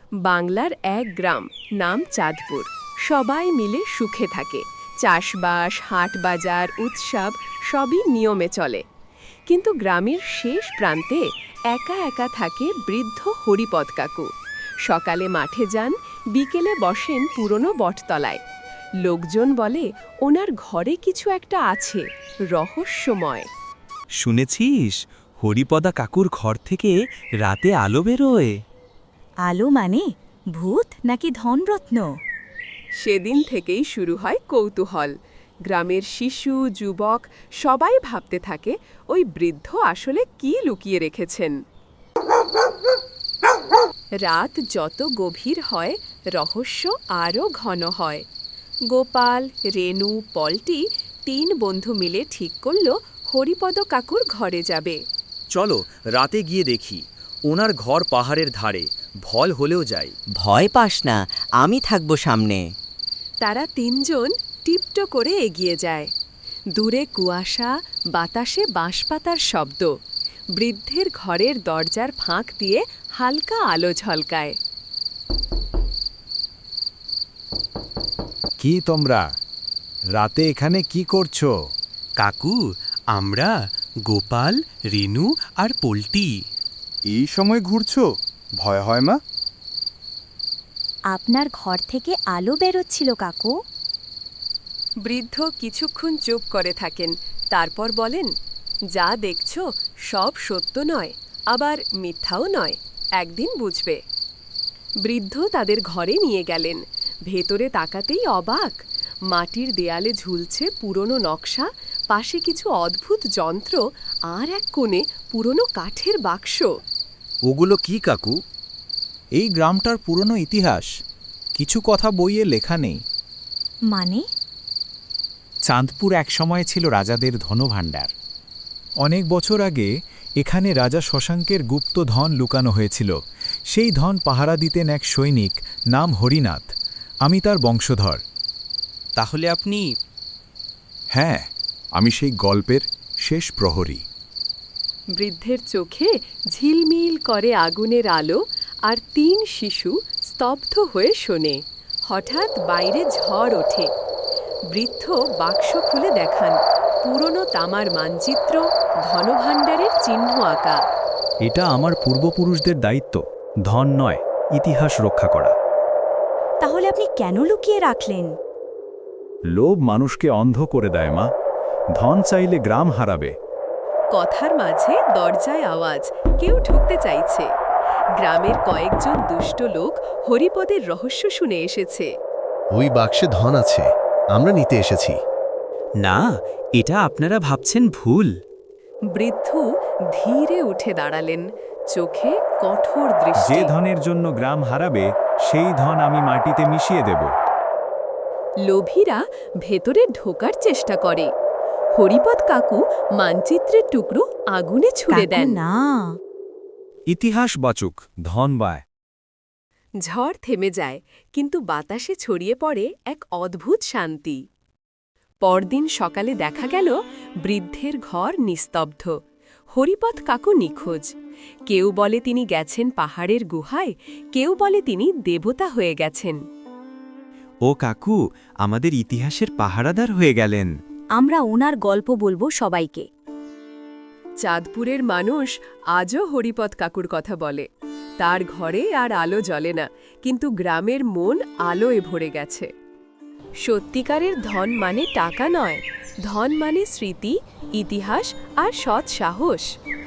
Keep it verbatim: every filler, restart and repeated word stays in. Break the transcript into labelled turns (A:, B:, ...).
A: বাংলার এক গ্রাম, নাম চাঁদপুর। সবাই মিলে সুখে থাকে। চাষবাস, হাট বাজার, উৎসব সবই নিয়মে চলে। কিন্তু গ্রামের শেষ প্রান্তে একা একা থাকে বৃদ্ধ হরিপদ কাকু। সকালে মাঠে যান, বিকেলে বসেন পুরনো বটতলায়। লোকজন বলে ওনার ঘরে কিছু একটা আছে, রহস্যময়।
B: শুনেছিস হরিপদা কাকুর ঘর থেকে রাতে আলো বেরোয়?
C: আলো মানে ভূত নাকি ধনরত্ন?
A: সেদিন থেকেই শুরু হয় কৌতূহল। গ্রামের শিশু, যুবক সবাই ভাবতে থাকে ওই বৃদ্ধ আসলে কি লুকিয়ে রেখেছেন। রাত যত গভীর হয়, রহস্য আরও ঘন হয়। গোপাল, রেনু, পল্টি তিন বন্ধু মিলে ঠিক করল হরিপদ কাকুর ঘরে যাবে।
D: চলো রাতে গিয়ে দেখি। ওনার ঘর পাহাড়ের ধারে, ভল হলেও যাই।
E: ভয় পাস না, আমি থাকবো সামনে।
A: তারা তিনজন টিপটো করে এগিয়ে যায়। দূরে কুয়াশা, বাতাসে বাঁশপাতার শব্দ। বৃদ্ধের ঘরের দরজার ফাঁক দিয়ে হালকা আলো ঝলকায়।
F: কি তোমরা রাতে এখানে কি করছো?
B: কাকু, আমরা গোপাল, রেনু আর পল্টি।
F: এই সময় ঘুরছো? ভয় হয় মা?
C: আপনার ঘর থেকে আলো বেরোচ্ছিল কাকু।
A: বৃদ্ধ কিছুক্ষণ চুপ করে থাকেন, তারপর বলেন, যা দেখছো সব সত্য নয়, আবার মিথ্যাও নয়, একদিন বুঝবে। বৃদ্ধ তাদের ঘরে নিয়ে গেলেন। ভেতরে তাকাতেই অবাক। মাটির দেয়ালে ঝুলছে পুরনো নকশা, পাশে কিছু অদ্ভুত যন্ত্র, আর এক কোণে পুরনো কাঠের বাক্স।
F: ওগুলো কি কাকু? এই গ্রামটার পুরনো ইতিহাস, কিছু কথা বইয়ে লেখা নেই।
C: মানে?
F: চাঁদপুর একসময় ছিল রাজাদের ধনভাণ্ডার। অনেক বছর আগে এখানে রাজা শশাঙ্কের গুপ্ত ধন লুকানো হয়েছিল। সেই ধন পাহারা দিতেন এক সৈনিক, নাম হরিনাথ। আমি তার বংশধর।
B: তাহলে আপনি?
F: হ্যাঁ, আমি সেই গল্পের শেষ প্রহরী।
A: বৃদ্ধের চোখে ঝিলমিল করে আগুনের আলো, আর তিন শিশু স্তব্ধ হয়ে শোনে। হঠাৎ বাইরে ঝড় ওঠে। বৃদ্ধ বাক্স খুলে দেখান, পুরনো তামার মানচিত্র, ধনভাণ্ডারের চিহ্ন আঁকা।
F: এটা আমার পূর্বপুরুষদের দায়িত্ব, ধন নয়, ইতিহাস রক্ষা করা।
C: তাহলে আপনি কেন লুকিয়ে রাখলেন?
F: লোভ মানুষকে অন্ধ করে দেয় মা। ধন চাইলে গ্রাম হারাবে।
A: কথার মাঝে দরজায় আওয়াজ, কেউ ঢুকতে চাইছে। গ্রামের কয়েকজন দুষ্ট লোক হরিপদের রহস্য শুনে এসেছে।
G: ওই বাক্সে ধন আছে, আমরা নিতে এসেছি।
B: না, এটা আপনারা ভাবছেন ভুল।
A: বৃদ্ধ ধীরে উঠে দাঁড়ালেন, চোখে কঠোর দৃষ্টি।
F: যে ধনের জন্য গ্রাম হারাবে, সেই ধন আমি মাটিতে মিশিয়ে দেব।
A: লোভীরা ভেতরে ঢোকার চেষ্টা করে। হরিপদ কাকু মানচিত্রের টুকরো আগুনে ছুড়ে
C: কাকু,
A: দেন।
C: না।
F: ইতিহাস বাচুক, ধন বায়।
A: ঝড় থেমে যায়, কিন্তু বাতাসে ছড়িয়ে পড়ে এক অদ্ভুত শান্তি। পরদিন সকালে দেখা গেল বৃদ্ধের ঘর নিস্তব্ধ। হরিপদ কাকু নিখোঁজ। কেউ বলে তিনি গেছেন পাহাড়ের গুহায়, কেউ বলে তিনি দেবতা হয়ে গেছেন।
B: ও কাকু, আমাদের ইতিহাসের পাহারাদার হয়ে গেলেন।
C: আমরা ওনার গল্প বলবো সবাইকে।
A: চাঁদপুরের মানুষ আজও হরিপদ কাকুর কথা বলে। তার ঘরে আর আলো জ্বলে না, কিন্তু গ্রামের মন আলোয় ভরে গেছে। সত্যিকারের ধন মানে টাকা নয়, ধন মানে স্মৃতি, ইতিহাস আর সৎ সাহস।